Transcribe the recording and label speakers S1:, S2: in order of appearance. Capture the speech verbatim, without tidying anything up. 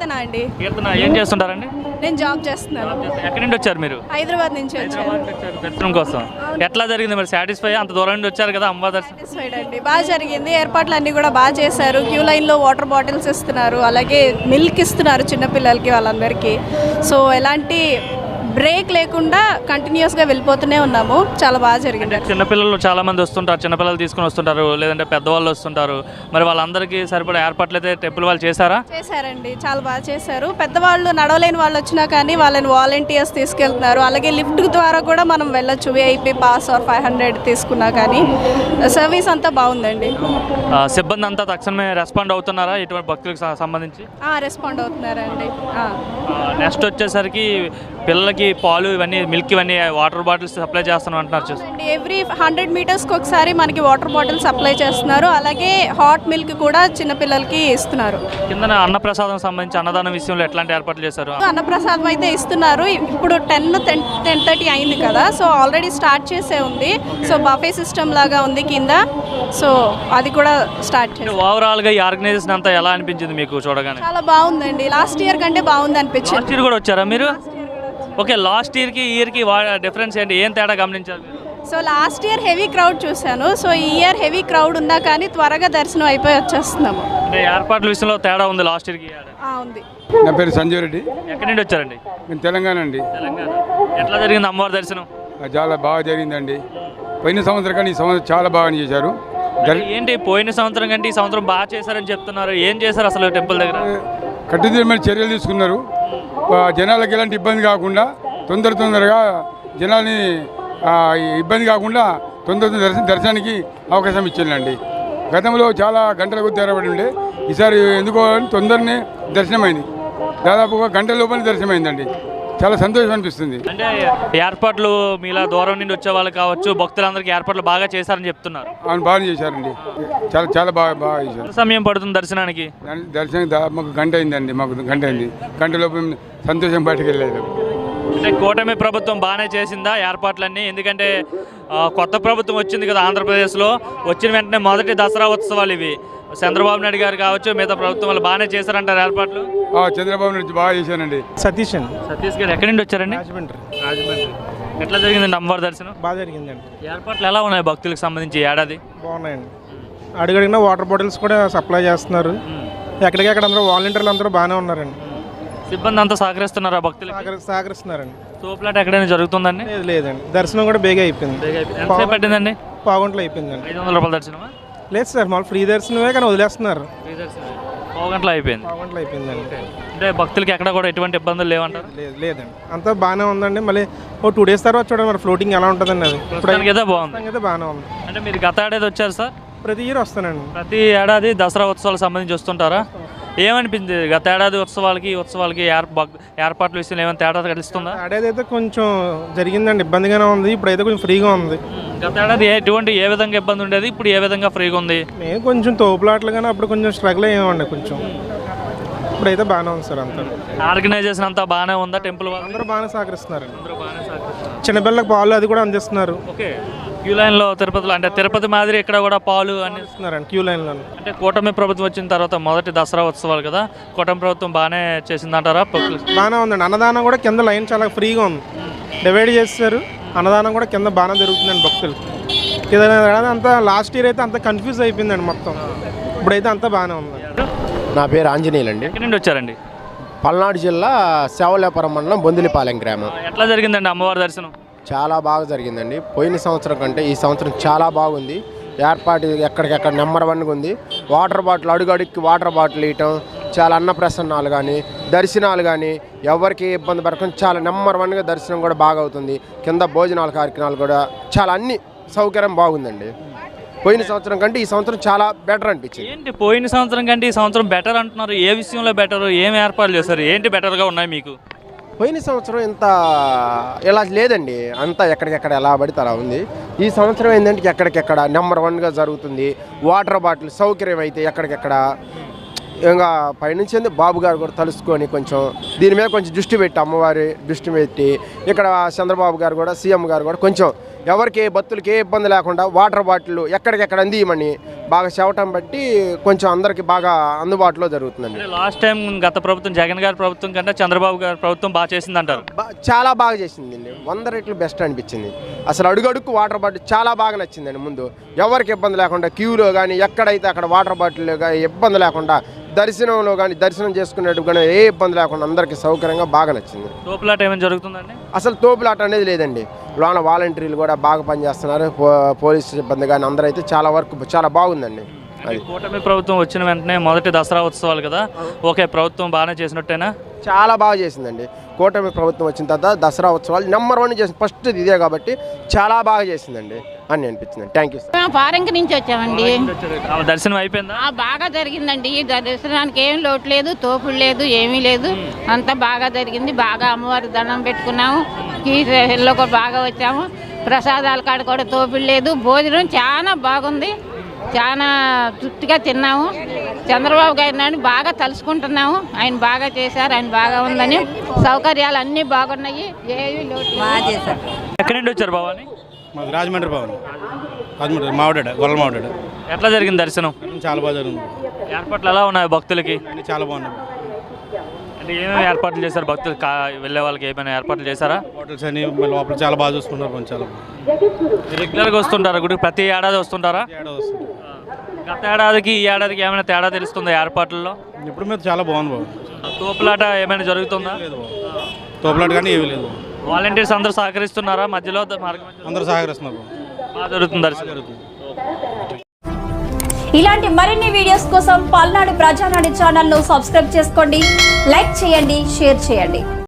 S1: కీర్తన అండి.
S2: కీర్తన ఏం చేస్తుంటారండి?
S1: నేను జాబ్ చేస్తున్నాను.
S2: ఎక్కడి నుండి వచ్చారు మీరు?
S1: హైదరాబాద్ నుంచి వచ్చాను
S2: దర్శనం కోసం. ఎట్లా జరిగింది మరి? సాటిస్ఫై? అంత దూరం నుండి వచ్చారు కదా అమ్మవారి దర్శనం.
S1: సాటిస్ఫైడ్ అండి, బాగా జరిగింది. ఏర్పాట్లు అన్నీ కూడా బాగా చేశారు. క్యూ లైన్లో వాటర్ బాటిల్స్ ఇస్తున్నారు, అలాగే మిల్క్ ఇస్తున్నారు చిన్నపిల్లలకి వాళ్ళందరికీ. సో ఎలాంటి బ్రేక్ లేకుండా కంటిన్యూస్గా వెళ్ళిపోతూనే ఉన్నాము. చాలా బాగా జరిగింది.
S2: చిన్నపిల్లలు చాలా మంది వస్తుంటారు, చిన్నపిల్లలు తీసుకుని వస్తుంటారు, లేదంటే పెద్దవాళ్ళు వస్తుంటారు. మరి వాళ్ళందరికీ సరిపడా ఏర్పాట్లు అయితే టెంపుల్ వాళ్ళు చేశారా?
S1: చేశారండి, చాలా బాగా చేశారు. పెద్దవాళ్ళు నడవలేని వాళ్ళు వచ్చినా కానీ వాళ్ళని వాలంటీర్స్ తీసుకెళ్తున్నారు. అలాగే లిఫ్ట్ ద్వారా కూడా మనం వెళ్ళొచ్చు, VIP pass or five hundred తీసుకున్నా కానీ. సర్వీస్ అంతా బాగుందండి.
S2: సిబ్బంది అంతా తక్షణమే రెస్పాండ్ అవుతున్నారా ఇటువంటి భక్తులకు సంబంధించి?
S1: రెస్పాండ్ అవుతున్నారండి.
S2: నెక్స్ట్ వచ్చేసరికి పిల్లలకి పాలు ఇవన్నీ, మిల్క్ ఇవన్నీ, వాటర్ బాటిల్స్ సప్లై చేస్తాను అంటున్నారు. చూసి
S1: ఎవ్రీ హండ్రెడ్ మీటర్స్కి ఒకసారి మనకి వాటర్ బాటిల్ సప్లై చేస్తున్నారు. అలాగే హాట్ మిల్క్ కూడా చిన్నపిల్లలకి ఇస్తున్నారు.
S2: కింద అన్నప్రసాదం సంబంధించి అన్నదానం విషయంలో ఎట్లాంటి ఏర్పాట్లు చేశారు?
S1: అన్నప్రసాదం అయితే ఇస్తున్నారు. ఇప్పుడు టెన్ టెన్ టెన్ థర్టీ అయింది కదా, సో ఆల్రెడీ స్టార్ట్ చేసే ఉంది. సో బఫే సిస్టమ్ లాగా ఉంది కింద, సో అది కూడా స్టార్ట్ చేసి.
S2: ఓవరాల్గా ఈ ఆర్గనైజేషన్ అంతా ఎలా అనిపించింది మీకు చూడగానే?
S1: చాలా బాగుందండి. లాస్ట్ ఇయర్ కంటే బాగుంది అనిపించింది.
S2: లాస్ట్ ఇయర్ కూడా వచ్చారా మీరు? ఓకే, లాస్ట్ ఇయర్కి ఈ ఇయర్కి డిఫరెన్స్ ఏంటి? ఏం తేడా గమనించారు?
S1: So last year heavy crowd చూశాను. సో ఈ ఇయర్ హెవీ క్రౌడ్ ఉన్నా కానీ త్వరగా దర్శనం అయిపోయి వచ్చేస్తున్నాము.
S2: అంటే ఏర్పాట్ల విషయంలో తేడా ఉంది లాస్ట్ ఇయర్కి?
S1: ఉంది.
S3: నా పేరు సంజయ్ రెడ్డి.
S2: ఎక్కడి నుండి వచ్చారండి?
S3: నేను తెలంగాణ అండి.
S2: తెలంగాణ. ఎట్లా జరిగింది అమ్మవారి దర్శనం?
S3: చాలా బాగా జరిగిందండి. పోయిన సంవత్సరం కానీ ఈ సంవత్సరం చాలా బాగా చేశారు.
S2: ఏంటి పోయిన సంవత్సరం కంటే ఈ సంవత్సరం బాగా చేశారని చెప్తున్నారు. ఏం చేశారు అసలు టెంపుల్ దగ్గర?
S3: కట్టుదిట్టమైన చర్యలు తీసుకున్నారు. జనాలకు ఎలాంటి ఇబ్బంది కాకుండా తొందర తొందరగా జనాల్ని ఇబ్బంది కాకుండా తొందర దర్శన దర్శనానికి అవకాశం ఇచ్చిందండి. గతంలో చాలా గంటల కొద్ది తెరబడి ఉండే, ఈసారి ఎందుకో తొందరనే దర్శనమైంది. దాదాపుగా గంటల లోపల దర్శనమైందండి. చాలా సంతోషం అనిపిస్తుంది.
S2: అంటే ఏర్పాట్లు మీలా దూరం నుండి వచ్చే వాళ్ళు కావచ్చు, భక్తులందరికీ ఏర్పాట్లు బాగా చేశారని చెప్తున్నారు.
S3: అవును, బాగా చేశారండి. చాలా చాలా బాగా బాగా చేశారు.
S2: సమయం పడుతుంది దర్శనానికి?
S3: దర్శనం మాకు గంట అయిందండి. మాకు గంట అయింది. గంట లోపు సంతోషం బయటకు వెళ్ళలేదు.
S2: అంటే కూటమి ప్రభుత్వం బాగానే చేసిందా ఏర్పాట్లన్నీ? ఎందుకంటే కొత్త ప్రభుత్వం వచ్చింది కదా ఆంధ్రప్రదేశ్లో. వచ్చిన వెంటనే మొదటి దసరా ఉత్సవాలు ఇవి. చంద్రబాబు నాయుడు గారు కావచ్చు, మిగతా ప్రభుత్వం వాళ్ళు బాగానే చేశారంటారు ఏర్పాట్లు?
S3: చంద్రబాబు నాయుడు బాగా చేశానండి.
S4: సతీష్ అండి.
S2: సతీష్ గారు ఎక్కడి నుండి వచ్చారండి?
S4: రాజమండ్రి.
S2: రాజమండ్రి. ఎట్లా జరిగిందండి అమ్మవారి దర్శనం?
S4: బాగా జరిగిందండి.
S2: ఏర్పాట్లు ఎలా ఉన్నాయి భక్తులకు సంబంధించి ఏడాది?
S4: బాగున్నాయండి. అడుగడిగిన వాటర్ బాటిల్స్ కూడా సప్లై చేస్తున్నారు. ఎక్కడికెక్కడ అందరూ వాలంటీర్లు అందరూ బాగానే ఉన్నారండి.
S2: సిబ్బంది అంతా సహకరిస్తున్నారా భక్తులు?
S4: సహకరిస్తున్నారండి.
S2: తోపులాట ఎక్కడైనా జరుగుతుందండి?
S4: లేదు లేదండి. దర్శనం కూడా బేగా అయిపోయింది.
S2: ఎంతసేపు పట్టిందండి?
S4: పావుగంటలో అయిపోయిందండి.
S2: ఐదు వందల రూపాయల దర్శనమా?
S4: లేదు సార్, మామూలు ఫ్రీ దర్శనమే, కానీ వదిలేస్తున్నారు.
S2: పావు గంటలో అయిపోయింది.
S4: పావు గంటలో అయిపోయిందండి.
S2: అంటే భక్తులకి ఎక్కడ కూడా ఎటువంటి ఇబ్బందులు లేవంటారు?
S4: లేదు లేదండి, అంతా బాగానే ఉందండి. మళ్ళీ ఓ టూ డేస్ తర్వాత చూడండి మరి ఫ్లోటింగ్ ఎలా ఉంటుందండి. అది
S2: ఇప్పుడు అయితే బాగుంది.
S4: అయితే బాగానే ఉంది.
S2: అంటే మీరు గత ఏడాది వచ్చారు సార్?
S4: ప్రతి ఇయర్ వస్తానండి.
S2: ప్రతి ఏడాది దసరా ఉత్సవాలకు సంబంధించి వస్తుంటారా? ఏమనిపించింది గత ఏడాది ఉత్సవాలకి ఉత్సవాలకి ఏర్పాట్ల విషయంలో ఏమైనా తేడా తెలుస్తుందా?
S4: ఏడాది అయితే కొంచెం జరిగిందండి, ఇబ్బందిగానే ఉంది. ఇప్పుడైతే కొంచెం ఫ్రీగా ఉంది.
S2: గత ఏడాది ఎటువంటి ఏ విధంగా ఇబ్బంది ఉండేది, ఇప్పుడు ఏ విధంగా ఫ్రీగా ఉంది?
S4: నేను కొంచెం తోపులాట్లు కానీ అప్పుడు కొంచెం స్ట్రగుల్ అయ్యామండి కొంచెం. ఇప్పుడైతే బాగానే ఉంది సార్. అంతా
S2: ఆర్గనైజేషన్ అంతా బాగానే ఉందా? టెంపుల్
S4: అందరూ బాగానే సహకరిస్తున్నారు. చిన్నపిల్లలకు పాలు అది కూడా అందిస్తున్నారు.
S2: ఓకే, క్యూ లైన్లో తిరుపతిలో అంటే తిరుపతి మాదిరి ఇక్కడ కూడా పాలు
S4: అందిస్తున్నారండి క్యూ లైన్లో.
S2: అంటే కూటమి ప్రభుత్వం వచ్చిన తర్వాత మొదటి దసరా ఉత్సవాలు కదా, కూటమి ప్రభుత్వం బాగానే చేసిందంటారా?
S4: బాగానే ఉందండి. అన్నదానం కూడా కింద లైన్ చాలా ఫ్రీగా ఉంది, డివైడ్ చేస్తారు. అన్నదానం కూడా కింద బాగానే జరుగుతుందండి భక్తులు. ఏదైనా అంతా లాస్ట్ ఇయర్ అయితే అంత కన్ఫ్యూజ్ అయిపోయిందండి మొత్తం. ఇప్పుడైతే అంతా బాగానే ఉంది.
S5: నా పేరు ఆంజనేయులు అండి.
S2: ఎక్కడి నుండి వచ్చారండి?
S5: పల్నాడు జిల్లా సేవలేపురం మండలం బొందిలిపాలెం గ్రామం.
S2: ఎట్లా జరిగిందండి అమ్మవారి దర్శనం?
S5: చాలా బాగా జరిగిందండి. పోయిన సంవత్సరం కంటే ఈ సంవత్సరం చాలా బాగుంది. ఏర్పాటు ఎక్కడికెక్కడ నెంబర్ వన్గా ఉంది. వాటర్ బాటిల్ అడుగడుక్కి వాటర్ బాటిల్ ఇవ్వటం, చాలా అన్నప్రసన్నాలు కానీ దర్శనాలు కానీ ఎవరికి ఇబ్బంది పడకుండా చాలా నెంబర్ వన్గా దర్శనం కూడా బాగా అవుతుంది. కింద భోజనాల కార్యక్రమాలు కూడా చాలా అన్ని సౌకర్యం బాగుందండి. పోయిన సంవత్సరం కంటే ఈ సంవత్సరం చాలా బెటర్ అనిపించింది.
S2: ఏంటి పోయిన సంవత్సరం కంటే ఈ సంవత్సరం బెటర్ అంటున్నారు? ఏ విషయంలో బెటర్? ఏం ఏర్పాట్లు చేస్తారు? ఏంటి బెటర్గా ఉన్నాయి మీకు?
S5: పోయిన సంవత్సరం ఇంత ఇలా లేదండి, అంతా ఎక్కడికెక్కడ ఎలా పడితే అలా ఉంది. ఈ సంవత్సరం ఏంటంటే ఎక్కడికెక్కడ నెంబర్ వన్గా జరుగుతుంది. వాటర్ బాటిల్ సౌకర్యం అయితే ఎక్కడికెక్కడ ఇంకా పైనుంచి బాబు గారు కూడా తలుసుకొని కొంచెం దీని మీద కొంచెం దృష్టి పెట్టి, అమ్మవారి దృష్టి పెట్టి ఇక్కడ చంద్రబాబు గారు కూడా సీఎం గారు కూడా కొంచెం ఎవరికి ఏ భక్తులకి ఏ ఇబ్బంది లేకుండా వాటర్ బాటిల్ ఎక్కడికెక్కడ అందియమని బాగా చెవటం బట్టి కొంచెం అందరికి బాగా అందుబాటులో జరుగుతుందండి.
S2: లాస్ట్ టైం గత ప్రభుత్వం జగన్ గారి ప్రభుత్వం కంటే చంద్రబాబు గారి ప్రభుత్వం బాగా చేసింది అంటారు.
S5: బా- చాలా బాగా చేసిందండి, వంద రెట్లు బెస్ట్ అనిపించింది. అసలు అడుగడుక్కు వాటర్ బాటిల్ చాలా బాగా నచ్చిందండి. ముందు ఎవరికి ఇబ్బంది లేకుండా క్యూలో కానీ ఎక్కడైతే అక్కడ వాటర్ బాటిల్ కానీ ఇబ్బంది లేకుండా, దర్శనంలో కానీ దర్శనం చేసుకునేట్టు కానీ ఏ ఇబ్బంది లేకుండా అందరికీ సౌకర్యంగా బాగా నచ్చింది.
S2: తోపులాట ఏమైనా జరుగుతుందండి?
S5: అసలు తోపులాట అనేది లేదండి. లోన వాలంటీర్లు కూడా బాగా పనిచేస్తున్నారు, పో- పోలీసు సిబ్బంది కానీ అందరూ అయితే చాలా వరకు చాలా బాగుందండి.
S2: అంటే కూటమి ప్రభుత్వం వచ్చిన వెంటనే మొదటి దసరా ఉత్సవాలు కదా, ఓకే ప్రభుత్వం బాగానే చేసినట్టేనా?
S5: చాలా బాగా చేసిందండి. కూటమి ప్రభుత్వం వచ్చిన తర్వాత దసరా ఉత్సవాలు నెంబర్ వన్ చేసింది, ఫస్ట్ ఇదే కాబట్టి చాలా బాగా చేసిందండి అని అనిపించింది. Thank you sir.
S6: మేము ఫారెన్కి నుంచి వచ్చామండి.
S2: ఆ దర్శనం అయిపోయిందా?
S6: ఆ, బాగా జరిగిందండి. ఈ దర్శనానికి ఏం లోటు లేదు, తోపుడు లేదు, ఏమీ లేదు. అంతా బాగా జరిగింది. బాగా అమ్మవారి దండం పెట్టుకున్నాము, కీలో కూడా బాగా వచ్చాము. ప్రసాదాల కాడ కూడా తోపుడు లేదు. భోజనం చాలా బాగుంది, చాలా తృప్తిగా తిన్నాము. చంద్రబాబు గారిని బాగా తలుసుకుంటున్నాము. ఆయన బాగా చేశారు, ఆయన బాగా ఉందని. సౌకర్యాలు అన్నీ బాగున్నాయి, ఏమీ లోటు బాగా చేశారు.
S2: ఎక్కడి నుండి వచ్చారు భవాని?
S7: మాది రాజమండ్రి భవన్, రాజమండ్రి మావిడాడ గొల్ల మావిడాడ.
S2: ఎట్లా జరిగింది దర్శనం?
S7: చాలా బాగా జరిగింది,
S2: ఏర్పాట్లు ఎలా ఉన్నాయి భక్తులకి?
S7: అన్నీ చాలా బాగున్నాయి.
S2: అంటే ఏమేమి ఏర్పాట్లు చేశారు భక్తులు కా వెళ్ళే వాళ్ళకి ఏమైనా ఏర్పాట్లు చేశారా?
S7: హోటల్స్ అని లోపల చాలా బాగా చూసుకుంటారు, కొంచెం చాలా బాగా.
S2: రెగ్యులర్గా వస్తుంటారా గుడికి? ప్రతి ఏడాది వస్తుంటారా?
S7: ఏడాది వస్తుంది.
S2: గత ఏడాదికి ఈ ఏడాదికి ఏమైనా తేడా తెలుస్తుందా ఏర్పాట్లలో?
S7: ఇప్పుడు మీద చాలా బాగుంది బాబు.
S2: తోపులాట ఏమైనా జరుగుతుందా?
S7: లేదు బాబు, తోపులాట కానీ ఏమీ లేదు.
S2: వాలంటీర్స్ అందరూ సహకరిస్తున్నారా? మధ్యలో మార్గం మధ్యలో
S7: అందరూ సహకరిస్తున్నారు బాబు,
S2: బాగా జరుగుతుంది దర్శనం.
S7: జరుగుతుంది.
S8: ఇలాంటి మరిన్ని వీడియోస్ కోసం పల్నాడు ప్రజానాడు ఛానల్ను సబ్స్క్రైబ్ చేసుకోండి, లైక్ చేయండి, షేర్ చేయండి.